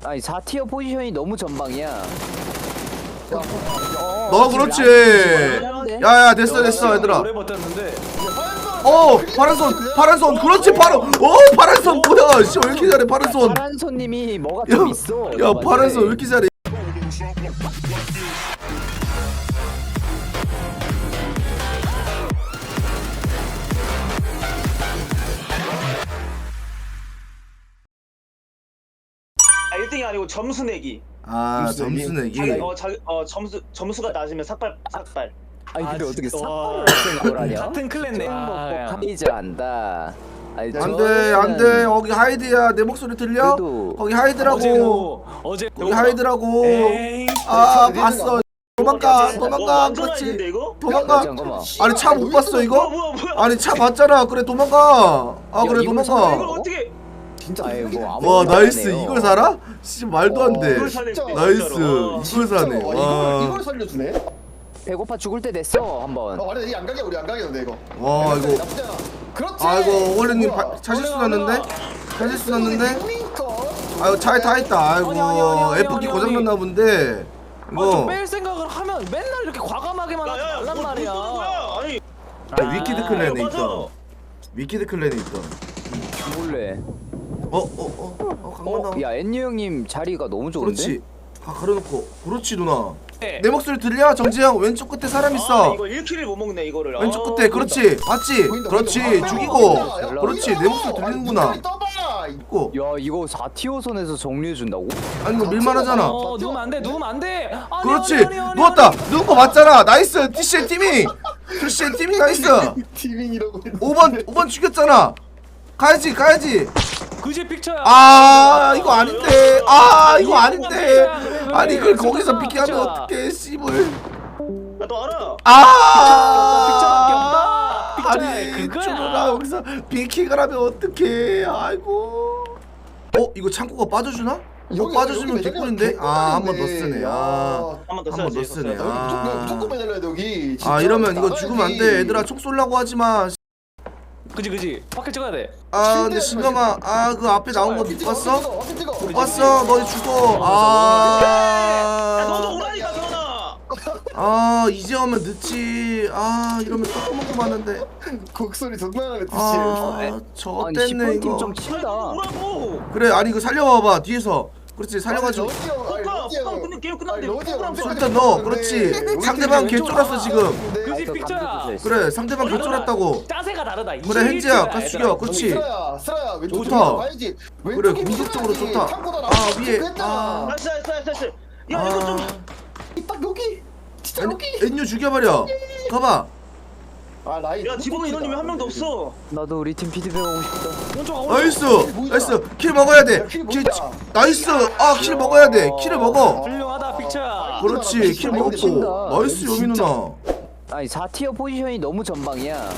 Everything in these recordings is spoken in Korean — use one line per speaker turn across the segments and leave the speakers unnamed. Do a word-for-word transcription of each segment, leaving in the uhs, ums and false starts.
아니 사 티어 포지션이 너무 전방이야.
너 그렇지. 야야 됐어 됐어 얘들아.
오래 버텼는데.
어 파란손 파란손 그렇지 바로. 어 파란손 뭐야 씨 왜 이렇게 잘해 파란손.
파란 손님이 뭐가 좀 있어.
야 파란손 왜 이렇게 잘해.
아, 일 등이 아니고 점수 내기.
아 점수 내기.
어, 자, 어 점수 점수가 낮으면 삭발 삭발.
아니 근데
아,
어떻게
진짜.
삭발을
와.
생각을 하냐?
같은 클랜네. 아,
카이즈 한다. 아니,
안돼 안돼 거기 하이드야 내 목소리 들려?
그래도-
거기 하이드라고.
어제도 어제
거기 하이드라고.
에이.
아 봤어. 도망가
어,
도망가
완전
그렇지.
아닌데 이거?
도망가.
잠깐만.
아니 차 못 봤어
뭐야
이거?
뭐야 뭐야?
아니 차 봤잖아. 그래 도망가. 아
야,
그래
이걸
이걸
도망가.
어떻게?
진짜
아이 뭐 아무.
와 나이스 이걸 살아? 씨 말도 안 돼.
이걸 사네, 진짜로.
나이스
와.
이걸 사네.
와, 이걸,
와.
이걸 살려주네?
배고파 죽을 때 됐어 한번.
아 말해 이 안 가게 우리 안 가게는데 이거.
와 이거.
나쁘지 않아. 그렇지.
아이고 원래님
뭐야.
차실수 났는데? 차실수 났는데?
링커.
아이고 차에 다 있다. 아이고
아니, 아니, 아니, 아니,
F키
아니,
고장
아니.
났나 본데.
아, 좀
이거
뺄 생각을 하면 맨날 이렇게 과감하게만 하지
야야
말란 말이야.
아니
아, 위키드 클랜에
맞아.
있던. 위키드 클랜에 있던.
몰래.
어어어 어, 강만 나와.
어, 야 엔유 형님 자리가 너무 좋은데?
그렇지. 아 가려놓고. 그렇지 누나.
네.
내 목소리 들려? 정지형 왼쪽 끝에 사람
아,
있어.
이거 일 킬을 못 먹네 이거를.
왼쪽
아,
끝에 그렇지. 봤지?
보인다,
그렇지.
보인다.
죽이고.
보인다. 야,
그렇지.
보인다.
내 목소리
아니,
들리는구나.
목소리 떠봐.
있고.
야 이거 사 티어 선에서 정리해준다고?
아니 이거 밀만하잖아.
어, 누우면 안 돼. 누우면 안 돼. 아니,
그렇지.
아니, 아니, 아니,
누웠다.
아니.
누운 거 맞잖아. 나이스. 티씨엘 티밍. 티씨엘 티밍 나이스.
티빙이라고 했는데.
오 번 오 번 죽였잖아. 가야지 가야지.
그지 픽처야.
아 이거 아닌데. 아 이거 아닌데. 아니 이걸 거기서 비키하면 어떡해 씨발.
나도 알아.
아
픽처밖에 없다.
아니
픽처야, 그거야.
준호가 여기서 비키를 하면 어떡해. 아이고. 어 이거 창고가 빠져주나? 이거
여기,
빠져주면
여기
개꿀인데.
매달려.
아 한 번 더
개꿀인데.
쓰네.
야.
아.
한 번 더
한 번
써야지.
더
이거
쓰네.
써야지.
아.
여기 무조건 매달려야 돼 여기.
아 이러면 이거
나가야지.
죽으면 안 돼. 얘들아 총 쏠라고 하지 마.
그지 그지. 밖에 찍어야 돼.
아 근데 신감아 아 그 앞에 나온 거 못
찍어,
봤어?
찍어, 어디 찍어?
못 봤어? 너 죽어.
야 너도
아.
오라니까 전화.
아 이제 오면 늦지. 아 이러면 조그만 거 많은데.
곡소리 존나 나네
아
아니
저땠네
십 번
이거.
팀 좀
아니
친다.
너도 오라고.
그래 아니 이거 살려봐봐 뒤에서. 그렇지 살려가지고.
포카 포카 끝내 게임 끝났는데. 포카랑
일단 너 그렇지. 상대방 개쫄았어 지금.
그지
아,
픽처야.
감독도 있어.
그래 상대방 개쫄았다고.
짜세가 다르다.
그래 헨지야 같이 죽여. 그렇지.
쓰라야 쓰라야 왼쪽
좋다.
쪽으로 가야지.
그래
왼쪽이
공격적으로
필요하지.
좋다.
창고다
아
나오고
위에.
했잖아.
아.
나이스 나이스 나이스 나이스. 야 이거 좀.
딱 여기 진짜
아니
여기.
엔유 죽여버려. 가봐.
아 라인
야 지붕 인원님이 한 명도 없어.
나도 우리 팀 피드백 하고 싶다.
오른쪽 오른쪽.
나이스
뭐야?
나이스 킬 먹어야 돼.
야, 킬
킬
뭐야?
나이스 아 킬 먹어야 돼. 킬을 먹어.
훌륭하다 픽처야.
그렇지 킬
아이고,
먹고.
진짜.
나이스 여미
진짜.
누나.
아니 사 티어 포지션이 너무 전방이야.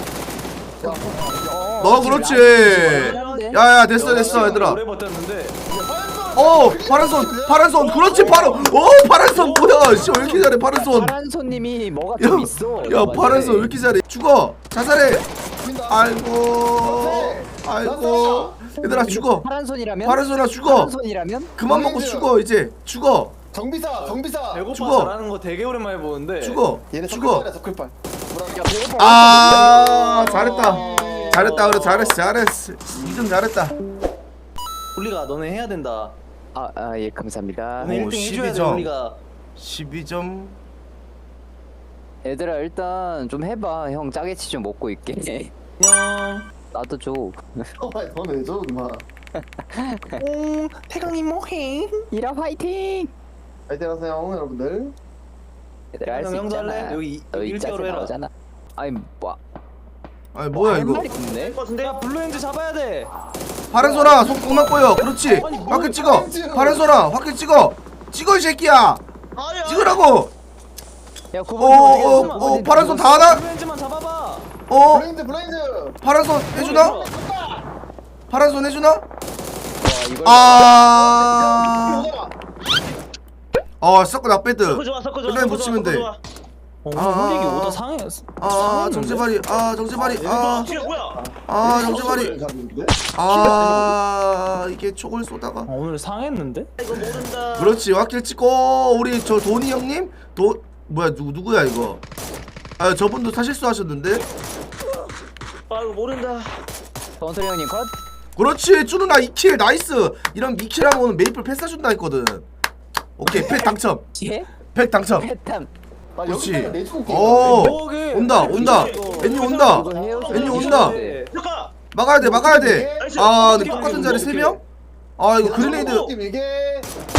너 그렇지. 야야 됐어 됐어 얘들아.
오래 버텼는데.
어 파란손 파란손 그렇지 바로. 어 파란손 뭐야 씨 왜 이렇게 잘해 파란손.
파란 손님이 뭐가 좀 있어.
야 파란손 왜 이렇게 잘해. 죽어 자살해.
보인다.
아이고 아이고 얘들아 죽어.
파란 손이라면?
파란손아 죽어.
파란 손이라면?
그만 먹고 죽어 이제 죽어
정비사 정비사.
배고파
죽어.
잘하는 거 되게 오랜만에 보는데.
죽어
얘네
죽어.
서클팔이야 서클팔.
아 잘했다 잘했다 그래 잘했어 잘했어 이 등 잘했다.
우리가 너네 해야 된다.
아, 아, 예, 감사합니다.
오늘
오,
일 등 해줘야
십이
돼
점.
우리가.
십이 점.
얘들아, 일단 좀 해봐. 형 짜게치 좀 먹고 있게.
안녕.
나도 줘.
너네 줘 임마.
오 태강이 뭐해?
이라 화이팅!
파이팅 하세요 여러분들.
얘들아, 할 수
형도
있잖아.
할래? 여기
너
일
이짜세
개월로 해라.
나오잖아. 아니, 뭐.
아니 뭐야
할
이거.
말이 없네?
것 같은데?
야 블루엔즈 잡아야 돼.
파란손아 손 그만 꼬여. 그렇지
아니, 뭘
확킬 찍어.
파란지.
파란손아 확킬 찍어. 찍어 이 새끼야.
아야.
찍으라고.
야, 구번
어, 어, 어, 파란 손 다 하나?
블루엔즈만 잡아봐.
어
블라인드 블라인드.
파란손 해주나? 파란손 해주나?
와, 이걸.
아. 어 섞어 나빼드.
섞어 좋아 섞어 좋아.
그래,
섞어
붙이면
좋아,
돼.
섞어 좋아.
어, 오늘
아,
홀릭이
아,
오다 상해.
아 정재발이 아 정재발이 아
뒤에 뭐야?
아 정재발이 아 이게 총을 쏘다가
어, 오늘 상했는데?
이거 모른다.
그렇지 확킬 찍고 우리 저 도니 형님 도 뭐야 누구 누구야 이거 아 저분도 사실수 하셨는데
아 이거 모른다.
전설이 형님 컷.
그렇지 쭈누나 이 킬 나이스 이런 미킬하면 오늘 메이플 패스 준다 했거든 오케이 팩 당첨
예?
팩 당첨
패탐.
그렇지
내주고
어
뭐게?
온다 온다 애니 온다
이거 헤어져.
애니 온다
잠깐.
막아야 돼 막아야 돼아 근데 똑같은 자리 세 명? 아 이거 그레네이드
이게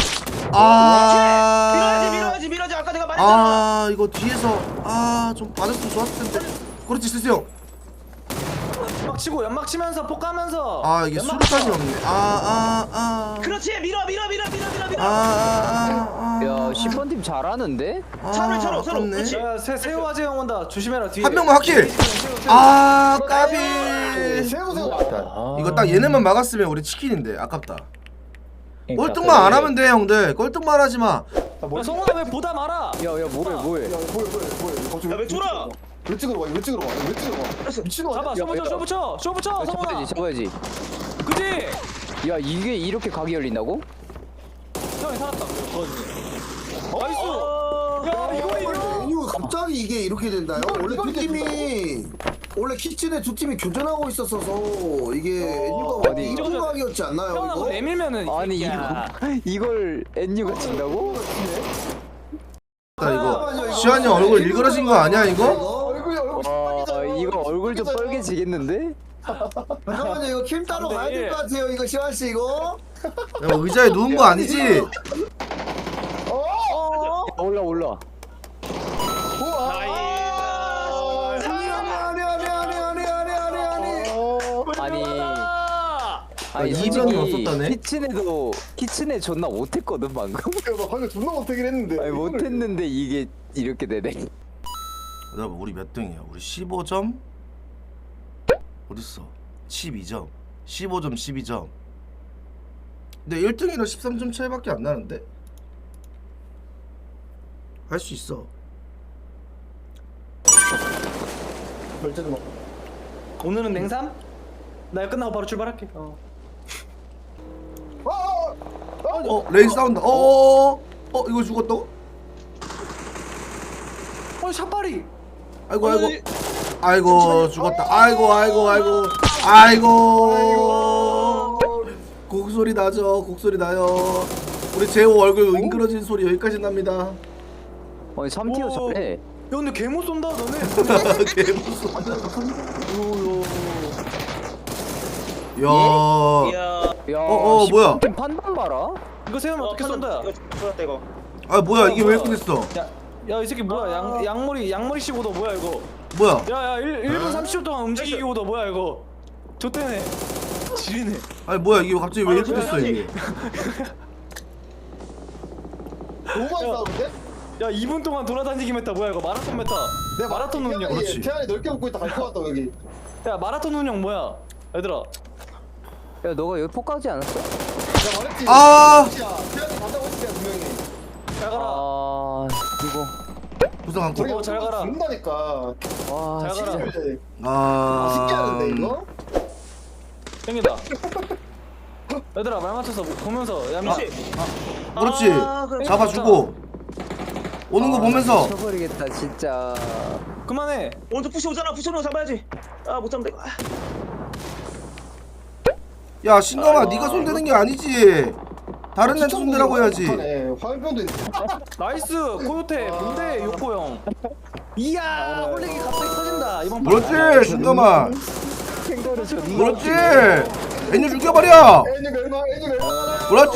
아
밀어야지 밀어야지 밀어야지. 아까 내가 말했잖아.
아 이거 뒤에서 아 좀 받았으면 좋았을 텐데 그렇지 스스 형아
연막 치고 연막 치면서 폭 가면서.
아, 이게
연막
수류탄이
쳐.
없네 아아아아
그렇지 밀어 밀어 밀어 밀어 밀어 밀어.
아아아
야 십 번 팀 잘하는데?
차로, 차로, 차로.
아깝네.
그렇지.
야, 새 새우 아재 형 온다. 조심해라 뒤에.
한 명만 확킬
새우, 새우, 새우.
아 까비
세우 세우
이거 딱 얘네만 막았으면 우리 치킨인데 아깝다
그러니까,
꼴등만 안 하면 돼 형들 꼴등만 하지마
야, 성훈아 왜 보다 말아?
야야 뭐해 뭐해?
야 뭐야 뭐야 뭐야 갑자기
야, 왜 쫄아?
왜 찍으러 와? 왜 찍으러 와? 왜 찍으러 와? 미친놈
잡아,
아니야?
쇼 붙여, 쇼 붙여, 쇼 붙여,
야,
성훈아.
잡아야지 잡아야지.
그지?
야 이게 이렇게 각이 열린다고?
형이 살았다. 나이스.
어.
야 이거 이거.
이거 갑자기 이게 이렇게 된다요? 원래 두 팀이 원래 키친에 두 팀이 교전하고 있었어서 이게 엔유가
아니,
이런 각이었지 않나요?
형아
이거?
너 내밀면은. 이
아니
새끼야.
이거 이걸 엔유가 친다고?
나 이거 시환이 형 얼굴 일그러진 거 아니야 이거?
얼굴이 얼굴
아 이거 얼굴 좀 빨개지겠는데?
잠깐만요 이거 킴 따로 가야 될 것 같아요 이거 시환 씨 이거.
야, 의자에 누운 거 아니지?
올라 올라.
아니 아니 아니 아니 아니 아니 아니 아니.
아니
아.
아니
이 병이 없었다네?
키친에도 키친에 존나 못했거든 방금.
나 방금 존나 못하긴 했는데
아니 못했는데 이게 이렇게 되네.
여러분 우리 몇 등이야? 우리 십오 점 어딨어? 십이 점 십오 점 십이 점 근데 일 등이랑 십삼 점 차이밖에 안 나는데? 할 수 있어
결제도 막
오늘은 냉삼? 나 이거 끝나고 바로 출발할게. 어.
어 레인 싸운다 어어어 어 이거 죽었다고?
어 샷발이.
아이고 아이고 아이고 죽었다 아이고 아이고 아이고 아이고 곡소리 나죠 곡소리 나요 우리 재호 얼굴 윙그러진 소리 여기까지 납니다
아니 삼 티어
오.
잘해.
야 근데 개못 쏜다 너네.
개무서워 야
야.
야
어, 어, 뭐야?
팀 판단 봐라.
이거 세우면 어떻게 쏜다?
이거 좋았다 이거.
아 뭐야 이게 왜 이렇게 됐어
야 이 새끼 뭐야 양 양머리 양머리 씹고도 뭐야 이거?
뭐야
야야 일 분 삼십 초 동안 움직이고도 뭐야 이거? 좆대네. 지리네.
아니 뭐야 이게 갑자기 왜 이렇게 됐어 이게
너무 많이 싸우는데?
야 이 분 동안 돌아다니기 메타 뭐야 이거? 마라톤 메타.
내가
마라톤 운영.
그렇지.
태안이 넓게 먹고 있다 갈 것 같다 여기
야 마라톤 운영 뭐야? 얘들아.
야 너가 여기 폭가지 않았어?
내가 말했지
아
태안이 간다고 했지 내가 분명히
잘 가라.
아 이거
부상 안고
어, 잘 가라.
죽는다니까
와
잘 가라.
진짜.
아
신기하는데 이거?
땡긴다. 얘들아 말 맞춰서 보면서 야미.
그렇지.
그렇지
아, 그래.
잡아주고 오는 거 보면서
쳐버리겠다 진짜.
그만해.
오른쪽 푸시 오잖아. 푸시 오는 거 잡아야지. 아 못 잡는다 이거. 아.
야 신감아 네가 손대는 게 아니지 다른 애한테 손대라고 해야지
네, 화염병도 있네
나이스 코요테 뭔데 요코 형. 이야 홀릭이 갑자기 터진다 이번 판.
그렇지 신감아
캥거루 존나.
그렇지 애녀 죽여버려
애니가 얼마 애니가 얼마
그렇지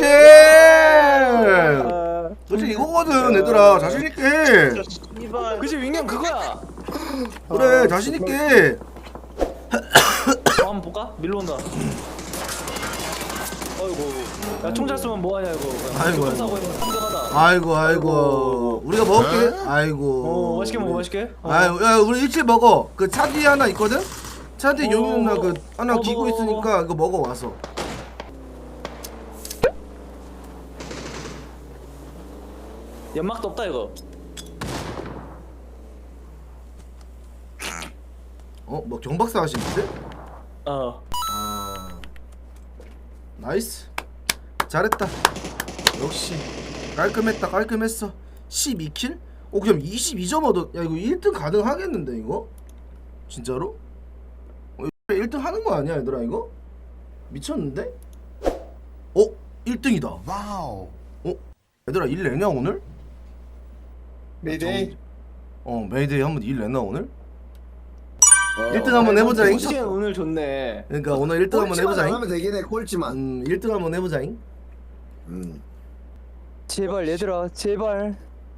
그렇지 이거거든 얘들아 자신있게 해
이발.
그치 윙형 그거야.
그래 자신있게
어, 한번 볼까? 밀로 온다. 어이구. 야 총 잘 쏘면 뭐하냐 이거.
아이고,
총
아이고.
사고 있는 한정하다.
아이고 아이고 우리가 먹을게 아이고
어 맛있게 먹어 맛있게. 어.
아유 야 우리 일찍 먹어 그 차 뒤에 하나 있거든? 차 뒤에
어.
용이 누나 그 하나
어,
기고
먹어,
있으니까 이거 먹어 와서
연막도 없다 이거.
어? 뭐 경박사 하시는데?
어.
아 나이스 잘했다 역시 깔끔했다 깔끔했어 십이 킬? 어 그럼 이십이 점 얻어 야 이거 일 등 가능하겠는데 이거? 진짜로? 어, 일 등 하는 거 아니야 얘들아 이거? 미쳤는데? 어? 일 등이다 와우 어? 얘들아 일 내냐 오늘?
메이데이.
어 메이데이 한번 일 내나 오늘? 일 등 한번 해보자잉
시간 오늘 좋네.
그러니까 오늘 일 등 한번
꼴찌만
해보자잉
하면 되긴 해. 꼴찌만.
음 일 등 한번 해보자잉
음.
제발 얘들아 제발.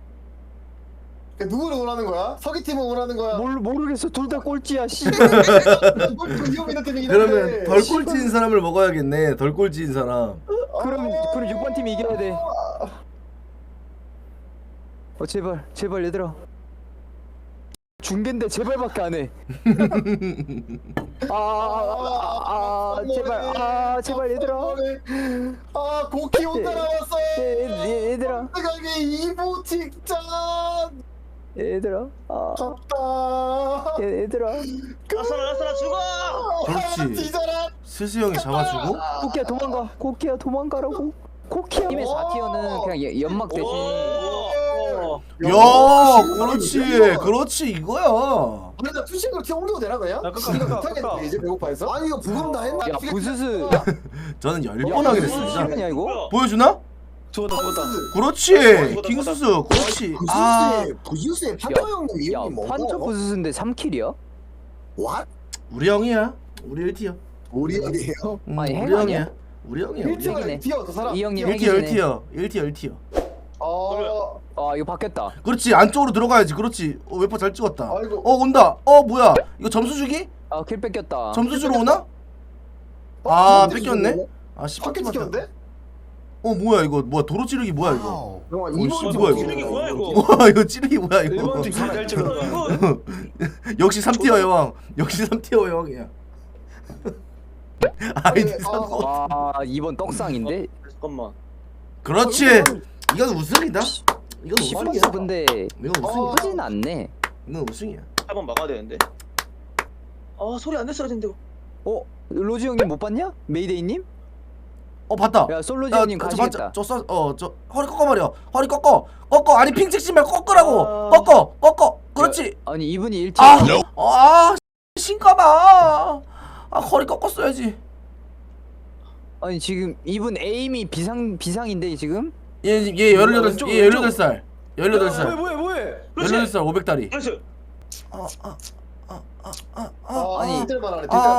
누구를 원하는 거야? 서기 팀을 원하는 거야?
몰 모르겠어 둘 다 꼴찌야 씨.
꼴찌 위험 있는 팀이긴 한데.
그러면 덜 꼴찌인 사람을 먹어야겠네 덜 꼴찌인 사람
그럼 그럼 육 번 팀이 이겨야 돼. 어 제발 제발 얘들아. 중계인데 제발밖에 안 해. 아, 아, 아, 아 제발 아 제발 얘들아.
아 고키 혼자 남았어.
얘, 얘, 얘들아
생각에 이보 직전.
얘들아 아
졌다.
얘, 얘들아
라스나 라스나 죽어.
그렇지
뒤져라.
스스 형이 잡아주고
코키야 도망가 코키야 도망가라고. 코키야 팀의 사 티어는 그냥 예- 연막 대신
오.
야 그렇지 그렇지 이거야
근데 푸싱으로 튀어 올리고 되나 그냥?
야, 끄까,
이거
끄까,
못하겠네
끄까.
이제 배고파해서.
아니 이거 부금 다 했나?
야 부스스
저는 열 번 하게 됐어 진짜
실화냐 이거?
보여주나?
죽었다 죽었다.
그렇지 킹수수 그렇지 아
부스스의 부스스의 판터 형님
야
이름이 뭐고?
판처 부스스인데 삼 킬이야?
What?
우리 형이야 우리 일 티어
우리 형이에요?
음,
아니,
우리
핵
형이야
아니야?
우리 형이야 우리
일티어
형
핵이네.
튀어 저 사람.
이 형님
일 티어 일
핵이시네.
티어 일 티어 일 티어
어.
아 이거 바뀌었다.
그렇지 안쪽으로 들어가야지 그렇지 어 웨퍼 잘 찍었다
아이고.
어 온다 어 뭐야 이거 점수 주기?
아 킬 뺏겼다.
점수 주러 오나?
어,
아
뭔데,
뺏겼네?
이거?
아 십
밖에
번
튀겼는데?
어 뭐야 이거 뭐야 도로 찌르기 뭐야 이거
영화
어,
이번
씨,
주
뭐야,
찌르기 뭐야 이거?
와 이거 찌르기 뭐야 이거
일본 팀 잘 찍었다.
이거
역시 삼 티어 여왕 역시 삼 티어 여왕이야 아이디
아,
삼
아 이번 떡상인데?
잠깐만.
그렇지 이건 우승이다 이건 우승이야
시프스 근데
이건 우승이야
나쁘진 않네.
이건 우승이야
한번 막아야 되는데. 아 소리 안 냈어야 되는데.
어? 로지 형님 못 봤냐? 메이데이님?
어 봤다
야 솔로지 형님 가시겠다.
저어저 허리 꺾어 말이야 허리 꺾어 꺾어 아니 핑 찍지 말고 꺾으라고
아.
꺾어 꺾어 그렇지
아니 이분이 일 티어.
아, 아, 신까봐. 아, 허리 꺾었어야지.
아니 지금 이분 에임이 비상 비상인데 지금?
얘, 얘 열여덟,
왼쪽,
얘
왼쪽.
열여덟 살, 열여덟
뭐해
살,
뭐해 뭐해.
그렇지.
열여덟 살 오백 다리.
그렇지.
아, 아, 아, 아, 아, 아,
아,
아니.
딜만 하네.
아,
딜만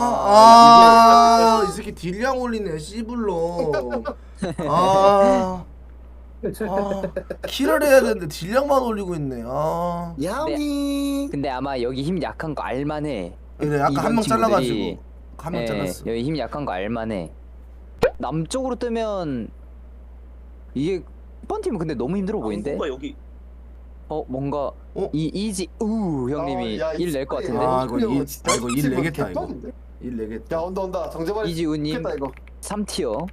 아, 아, 이 새끼 딜량 올리네, 씨불로. 아, 아, 킬을 해야 되는데 딜량만 올리고 있네. 아,
야미.
근데 아마 여기 힘 약한 거 알만해.
그래, 아까
이번
한 명
친구들이-
잘라가지고 한 명
예,
잘랐어.
여기 힘 약한 거 알만해. 남쪽으로 뜨면 이게 이번 팀은 근데 너무 힘들어 보이는데?
뭔가 여기.
어 뭔가
어?
이 이지 우 형님이
아, 야, 이
일 낼 것 같은데?
아, 이거 일,
진짜
아, 이거 일
지금
내겠다, 이거.
개빡인데?
일 내겠다.
야 온다 온다. 정재발.
이지우님
죽겠다 이거.
삼 티어.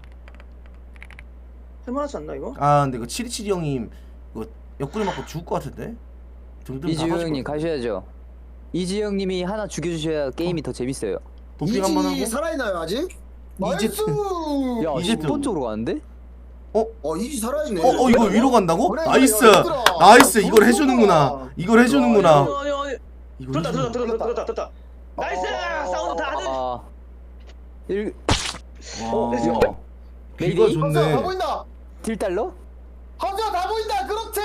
할만하지 않나 이거?
아 근데 그 칠이칠이 형님 이거 옆구리 맞고 죽을 것 같은데? 등등
이지우
다
형님
가지고
가셔야죠. 이지우 형님이 하나 죽여주셔야 게임이 더 재밌어요.
도핑 한번 하고
이지 살아있나요 아직?
이제
나이스.
야
이제
십 번 쪽으로 가는데?
어 이지 살아있네.
어, 어 이거 위로 간다고?
그래,
나이스
그래, 얘들아.
나이스
아,
이걸
너무
해주는구나
좋아.
이걸 해주는구나
아니 아니 아니.
이걸
들었다 들었다
해주는구나.
들었다 들었다 들었다. 나이스.
어.
사운드 다 아들.
아 일
와
야.
귀가
메이데이?
하자 다
좋네
보인다.
딜달러?
하자 다 보인다. 그렇지.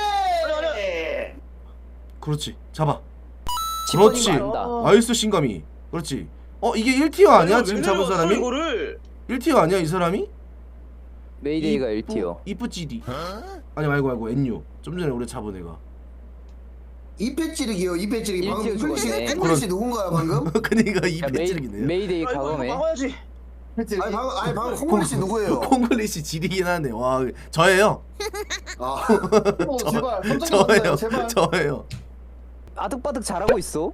그렇지 잡아
십 번인
그렇지.
거 안다.
어.
나이스 신감이 그렇지 어 이게 일 티어 아니야 지금 잡은 사람이?
이거를.
일 티어 아니야 이 사람이?
메이데이가 일 티어.
이쁘지디 아니 말고 말고 엔유 좀 전에 우리 잡은 애가
이패 찌르기요 이패 찌르기. 방금
일티어
잉글리시
죽었네.
잉글리시 누군가요 방금?
그니까
야,
이패
메이,
찌르기네
메이데이
아 이거 이거
과감해.
막아야지.
그렇지.
아니 방금 아니 방금 콩글리시 누구예요?
콩글리시 지리긴 하네 와 저예요
아
어, 제발. 깜짝
저예요
놀랐네, 제발.
저예요
아득바득 잘하고 있어.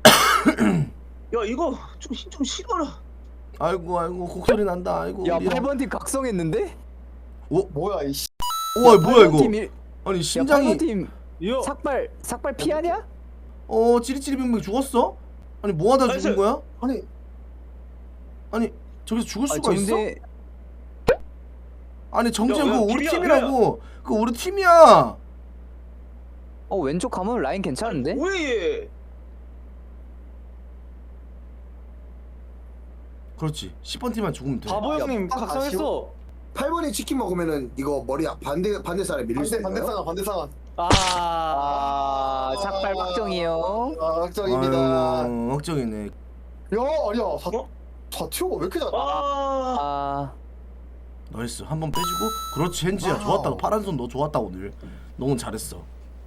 야 이거 좀 힘 좀 실어라.
아이고 아이고 곡소리 난다 아이고
야
우리 형.
팔 번 팀 각성했는데?
뭐야 이 씨.
우와 뭐야 이거
팀 일,
아니
야
심장이
팔 번 팀
이거
삭발 삭발 피하냐?
어 찌리찌리 빙빙 죽었어? 아니 뭐하다
나이스.
죽은 거야?
아니
아니 저기서 죽을
아,
수가 있어?
정대
아니 정재현
야, 야,
그거 우리
팀이야,
팀이라고. 그거 우리 팀이야.
어 왼쪽 가면 라인 괜찮은데?
왜 얘?
그렇지. 십 번 팀만 죽으면 돼.
바보 형님
아,
각성했어.
팔 번이 치킨 먹으면은 이거 머리 반대 반대 살에 밀릴 수
반대
있나요?
반대 상황 반대 상황.
아,
아 삭발 확정이요.
아 확정입니다.
아유, 걱정이네.
야 아니야 사
어?
사티오가 왜 이렇게 잘?
아,
아
나이스. 한 번 빼주고. 그렇지 헨지야.
와우.
좋았다. 파란 손 너 좋았다 오늘. 너무 잘했어.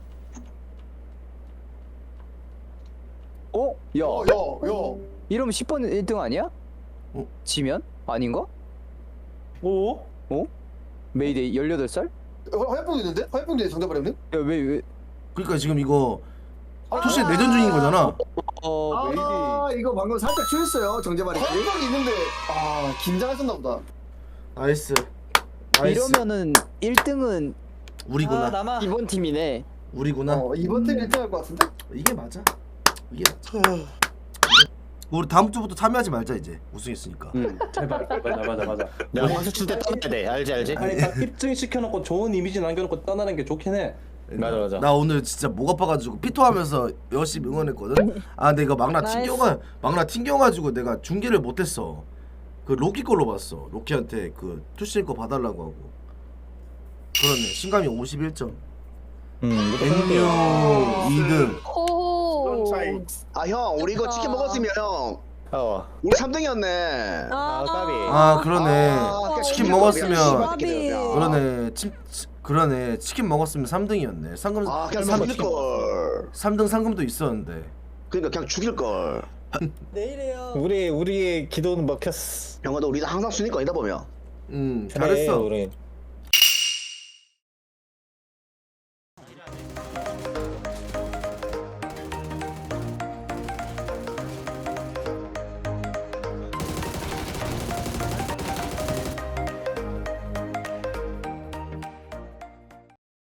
어? 야
야야
이러면 십 번 일 등 아니야?
어?
지면? 아닌가?
오?
어? 메이데이 열여덟 살?
화염병 있는데? 화염병 정답 형님?
야왜 왜?
그러니까 지금 이거 투시 내전 중인 거잖아.
어
아 이거 방금 살짝 취했어요 정재발이.
화염병이 있는데 아 긴장했었나 보다.
나이스. 나이스.
이러면은 일 등은
우리구나.
아, 남아.
이번 팀이네.
우리구나.
어 이번 팀 일 등 할 것 같은데?
이게 맞아. 이게 맞아. 우리 다음 주부터 참여하지 말자 이제 우승했으니까.
응.
제발, 제발, 맞아, 맞아.
내가 선수 칠때 떠나야 돼. 알지 알지?
아니 딱 입증 시켜놓고 좋은 이미지 남겨놓고 떠나는 게 좋긴 해.
맞아, 맞아.
나 오늘 진짜 목 아파가지고 피토하면서 열심히 응원했거든. 아 내가 막나 튕겨가 막나 튕겨가지고 내가 중계를 못했어. 그 로키 걸로 봤어. 로키한테 그 투실 거 봐달라고 하고. 그러네. 신감이 오십일 점.
음.
백룡 이 등.
오.
아 형 우리 이거 치킨 먹었으면 형
어.
우리 삼 등이었네.
아, 까비.
아 그러네.
아,
치킨
미안,
먹었으면
미안,
까비.
미안.
그러네. 치, 치, 그러네. 치킨 먹었으면 삼 등이었네. 상금
아 그냥
삼
죽일 걸.
삼 등 상금도 있었는데.
그러니까 그냥 죽일 걸.
내일이에요.
우리 우리의 기도는 먹혔어.
형아도 우리 항상 순위권이다 보면.
음
그래,
잘했어.
우리.